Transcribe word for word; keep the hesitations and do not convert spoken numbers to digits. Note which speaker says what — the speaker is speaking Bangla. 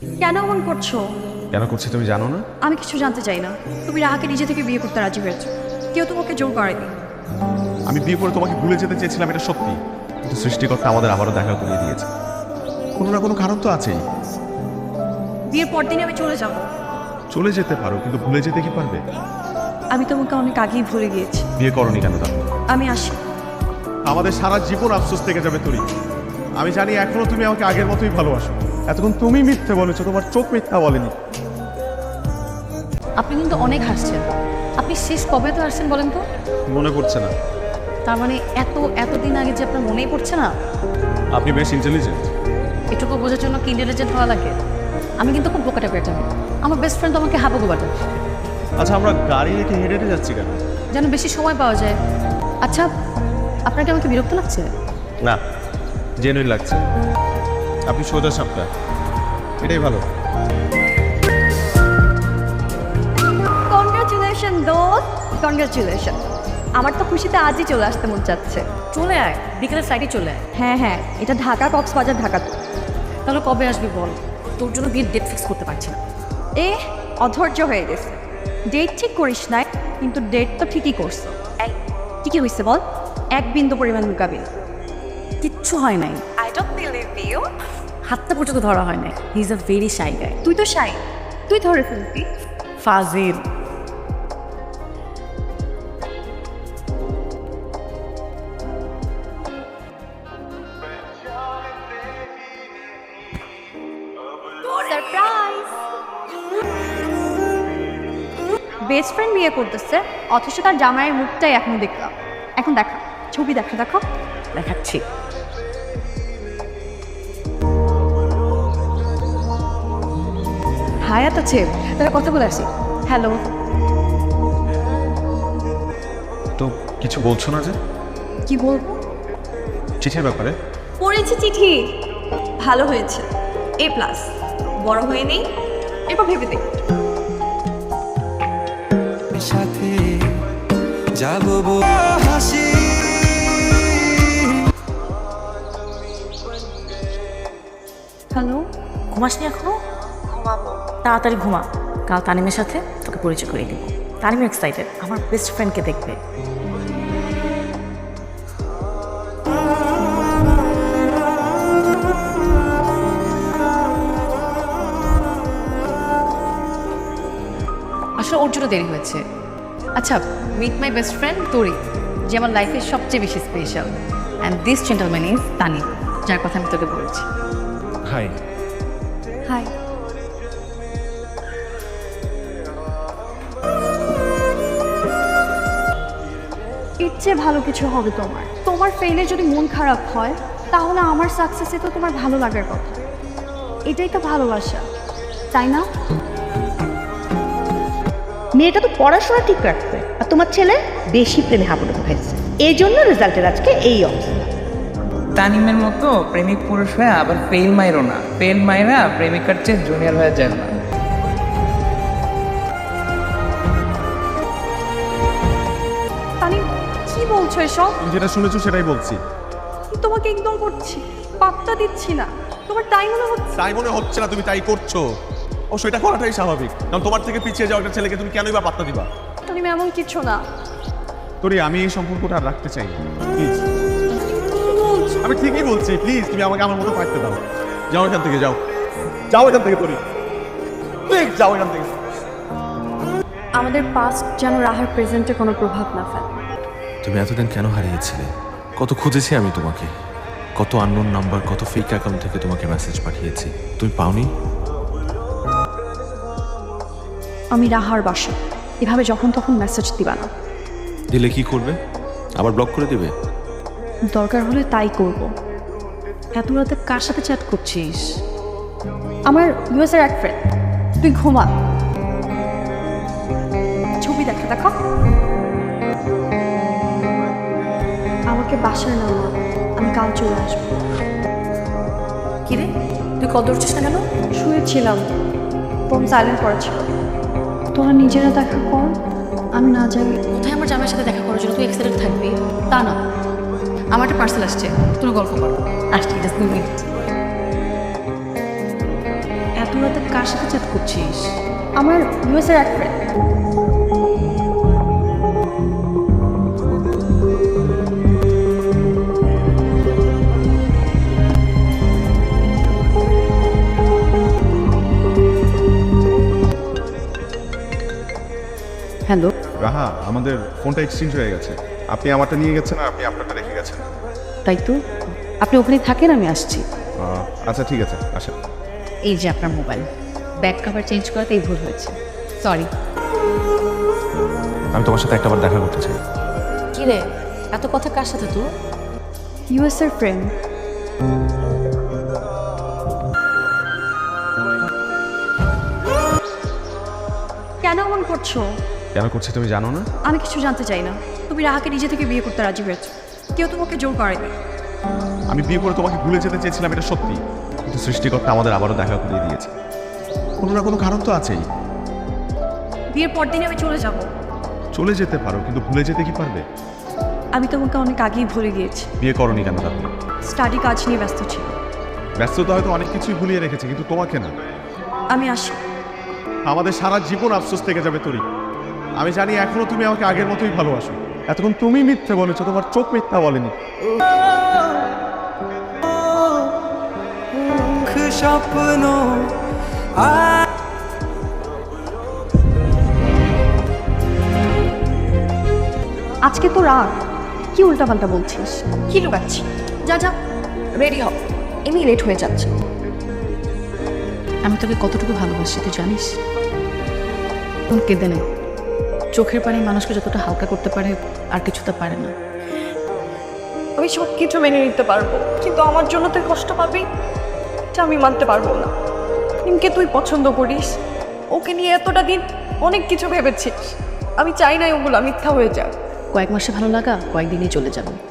Speaker 1: কেন এমন করছো?
Speaker 2: কেন করছি তুমি জানো না?
Speaker 1: আমি কিছু জানতে চাই না। তুমি রাহাকে নিজে থেকে বিয়ে করতে রাজি হয়েছো, কেউ তোমাকে জোর করেনি।
Speaker 2: আমি বিয়ে করে তোমাকে ভুলে যেতে চেয়েছিলাম, এটা সত্যি, কিন্তু সৃষ্টিকর্তা আমাদের আবারও দেখা করিয়ে দিয়েছে। কোনো না কোনো কারণ তো আছেই।
Speaker 1: বিয়ের পর দিনই আমি চলে যাব।
Speaker 2: চলে যেতে পারো, কিন্তু ভুলে যেতে কি পারবে?
Speaker 1: আমি তোমাকে অনেক আগেই ভুলে গিয়েছি।
Speaker 2: বিয়ে করনি কেন তা?
Speaker 1: আমি আসি।
Speaker 2: আমাদের সারা জীবন আফসোস থেকে যাবে তোরই। আমি জানি এখনো তুমি আমাকে আগের মতোই ভালোবাসো। এতক্ষণ তুমি মিথ্যে বলেছো, তোমার চোখ মিথ্যা বলেনি।
Speaker 1: আপনি কিন্তু অনেক হাসছেন। আপনি শেষ কবে তো আসছেন বলেন তো?
Speaker 2: মনে পড়ছে না।
Speaker 1: তার মানে এত এতদিন আগে যে আপনার মনেই পড়ছে না?
Speaker 2: আপনি বেশ ইন্টেলিজেন্ট।
Speaker 1: এটুকু বোঝার জন্য কি ইন্টেলিজেন্ট হওয়া লাগে? আমি কিন্তু খুব বোকাটা পেটাম। আমার বেস্ট ফ্রেন্ড তো আমাকে হাবুগো বাটা।
Speaker 2: আচ্ছা, আমরা গাড়ি রেখে হেঁটে হেঁটে যাচ্ছি কেন?
Speaker 1: যেন বেশি সময় পাওয়া যায়। আচ্ছা, আপনাকে আমাকে বিরক্ত লাগছে?
Speaker 2: না, জেনুইন লাগছে। আপনি সোজা সাপটা, এটাই ভালো।
Speaker 1: কনগ্রাচুলেশন দোস্ত, কনগ্রাচুলেশন। আমার তো খুশিতে আজই চলে আসতে মন চাচ্ছে। চলে আয়, বিকেলের ফ্লাইটে চলে আয়। হ্যাঁ হ্যাঁ, এটা ঢাকা কক্সবাজার ঢাকা তো। তাহলে কবে আসবি বল? তোর জন্য বিয়ের ডেট ফিক্স করতে পারছি না। এ অধৈর্য হয়ে গেছে। ডেট ঠিক করিস নাই, কিন্তু ডেট তো ঠিকই করছো। এই ঠিকই হয়েছে বল? এক বিন্দু পরিমাণ মুকাবিল কিচ্ছু হয় নাই। I don't believe you. হাতটা পর্যন্ত ধরা হয় নাই। He is a very shy guy. তুই তো শাই, তুই ধরে ফেলবি। ফাজিল। সারপ্রাইজ! বেস্ট ফ্রেন্ড বিয়ে করতেছে, অথচ তার জামাইয়ের মুখটাই এখনো দেখলাম। এখন দেখা, ছবি দেখা, দেখো দেখাচ্ছি। হায়াত আছে, তাহলে কথা বলে আসি। হ্যালো।
Speaker 2: তো কিছু বলছো না যে?
Speaker 1: কি বলবো?
Speaker 2: চিঠির ব্যাপারে।
Speaker 1: পড়েছি চিঠি, ভালো হয়েছে, এ প্লাস। বড় হয়ে নেই, এরপর ভেবে দেখ।
Speaker 3: সাথে যাবো হাসি।
Speaker 1: হ্যালো।
Speaker 4: ঘুমাসনি এখনো? ঘুমাবো। তাড়াতাড়ি ঘুমা, কাল তানিমের সাথে তোকে পরিচয় করিয়ে দিব। তানিম এক্সাইটেড, আমার বেস্ট ফ্রেন্ডকে দেখবে।
Speaker 1: আসলে ওর জন্য দেরি হয়েছে। আচ্ছা, মিট মাই বেস্ট ফ্রেন্ড তোরি, যে আমার লাইফের সবচেয়ে বেশি special. And this gentleman is Tanim, যার কথা আমি তোকে বলেছি।
Speaker 2: হাই।
Speaker 1: হাই। এর চেয়ে ভালো কিছু হবে তোমার। তোমার ফেলে যদি মন খারাপ হয়, তাহলে আমার সাকসেসে তো তোমার ভালো লাগার কথা। এটাই তো ভালোবাসা, তাই না?
Speaker 5: মেয়েটা তো পড়াশোনা ঠিক রাখবে, আর তোমার ছেলে বেশি প্রেমে হাবুডুবু খাইছে, এই জন্য রেজাল্টের আজকে এই অবস্থা।
Speaker 6: তানিমের মতো প্রেমিক পুরুষ হয়ে আবার ফেল মাইরো না। ফেল মাইরা প্রেমিকার চেয়ে জুনিয়র হয়ে যায় না।
Speaker 1: তানিম, কি বলছো এসব?
Speaker 2: তুমি যেটা শুনেছো সেটাই বলছি।
Speaker 1: তোমাকে ইগনোর করছি, পাত্তা দিচ্ছি না। তোমার তাই মনে হচ্ছে?
Speaker 2: তাই মনে হচ্ছে না, তুমি তাই করছো। ও সেটা করাটাই স্বাভাবিক, কারণ তোমার থেকে পিছিয়ে যাওয়া একটা ছেলেকে তুমি কেনই বা পাত্তা দিবা?
Speaker 1: তানিম, এমন কিছু না।
Speaker 2: তোরে আমি এই সম্পর্কটা আর রাখতে চাই না, প্লিজ। আমি ঠিকই বলছি, প্লিজ তুমি আমাকে আমার মতো থাকতে দাও। যাও এখান থেকে, যাও যাও এখান থেকে, তোরে প্লিজ যাও এখান থেকে।
Speaker 1: আমাদের পাস্ট যেন রাহার প্রেজেন্টে কোনো প্রভাব না ফেলে।
Speaker 7: তুমি এতদিন কেন হারিয়েছিলে? কত খুঁজেছি আমি তোমাকে, কত আননোন নাম্বার, কত ফেক অ্যাকাউন্ট থেকে তোমাকে মেসেজ পাঠিয়েছি, তুমি পাওনি?
Speaker 1: আমি রাহার বাসা, এভাবে যখন তখন মেসেজ দিবা না।
Speaker 7: দিলে কি করবে? আবার ব্লক করে দিবে?
Speaker 1: দরকার হলে তাই করব।
Speaker 4: এত রাতে কার সাথে চ্যাট করছিস?
Speaker 1: আমার ইউএসের এক ফ্রেন্ড। তুই ঘুমা, ছবি দেখা, দেখো। আমাকে বাসায় নামা, আমি কাল চলে আসবো।
Speaker 4: কিরে, তুই কল ধরছিস না কেন?
Speaker 1: শুয়েছিলাম, ফোন সাইলেন্ট করা ছিল। তোরা নিজেরা দেখা কর, আমি না যাই।
Speaker 4: কোথায় আমার জামাইয়ের সাথে দেখা করার জন্য তুই এক্সাইটেড থাকবি? তা না, আমার একটা পার্সেল আসছে, তোর গল্প কর। আসছি, জাস্ট দুই মিনিট।
Speaker 1: এত রাতে
Speaker 4: কার সাথে চ্যাট করছিস?
Speaker 1: আমার ইউএসের এক ফ্রেন্ড। হ্যালো,
Speaker 2: রাহা, আমাদের ফোনটা এক্সচেঞ্জ হয়ে গেছে। আপনি আমারটা নিয়ে গেছেন আর আপনি আপনারটা রেখে গেছেন।
Speaker 1: তাই তো আপনি ওখানে থাকেন, আমি আসছি।
Speaker 2: আহ, আচ্ছা ঠিক আছে, আসেন।
Speaker 1: এই যে আপনার মোবাইল, ব্যাক কভার চেঞ্জ করাতেই ভুল হয়েছে, সরি।
Speaker 7: আমি তোমার সাথে একটাবার দেখা করতে চাই।
Speaker 4: কি রে, এত কথা কার সাথে তো?
Speaker 1: ইউএসের ফ্রেন্ড। কেন এমন করছো?
Speaker 2: কেন করছি তুমি জানো না?
Speaker 1: আমি কিছু জানতে চাই না। তুমি রাহাকে নিজে থেকে বিয়ে করতে রাজি হয়েছো, কেউ তোমাকে জোর করেনি।
Speaker 2: আমি বিয়ে করে তোমাকে ভুলে যেতে চেয়েছিলাম, এটা সত্যি, কিন্তু সৃষ্টিকর্তা আমাদের আবারও দেখা করিয়ে দিয়েছে। কোনো না কোনো কারণ তো আছেই।
Speaker 1: বিয়ের পর দিনই আমি চলে যাব।
Speaker 2: চলে যেতে পারো, কিন্তু ভুলে যেতে কি পারবে?
Speaker 1: আমি তোমাকে অনেক আগেই ভুলে গিয়েছি।
Speaker 2: বিয়ে করনি কেন তাহলে?
Speaker 1: স্টাডি কাজ নিয়ে ব্যস্ত ছিল।
Speaker 2: ব্যস্ততা হয়তো অনেক কিছুই ভুলিয়ে রেখেছে, কিন্তু তোমাকে না।
Speaker 1: আমি আসি।
Speaker 2: আমাদের সারা জীবন আফসোস থেকে যাবে তোরই। আমি জানি এখনো তুমি আমাকে আগের মতোই ভালোবাসো। এতক্ষণ তুমি মিথ্যে বলেছো, তোমার চোখ মিথ্যা বলেনি।
Speaker 3: স্বপ্ন
Speaker 1: আজকে তো রাত, কি উল্টাপাল্টা বলছিস? কি লুকাচ্ছি? যা যা, রেডি হ, এমনি লেট হয়ে যাচ্ছে।
Speaker 4: আমি তোকে কতটুকু ভালোবাসি তুই জানিস? তোর কেঁদে নেই, চোখের পানি মানুষকে যতটা হালকা করতে পারে আর কিছু তা পারে না।
Speaker 1: আমি সব কিছু মেনে নিতে পারবো, কিন্তু আমার জন্য তুই কষ্ট পাবি এটা আমি মানতে পারবো না। নিমকে তুই পছন্দ করিস, ওকে নিয়ে এতটা দিন অনেক কিছু ভেবেছিস। আমি চাই না ওগুলো মিথ্যা হয়ে যাক।
Speaker 4: কয়েক মাসে ভালো লাগা কয়েকদিনই চলে যাবে।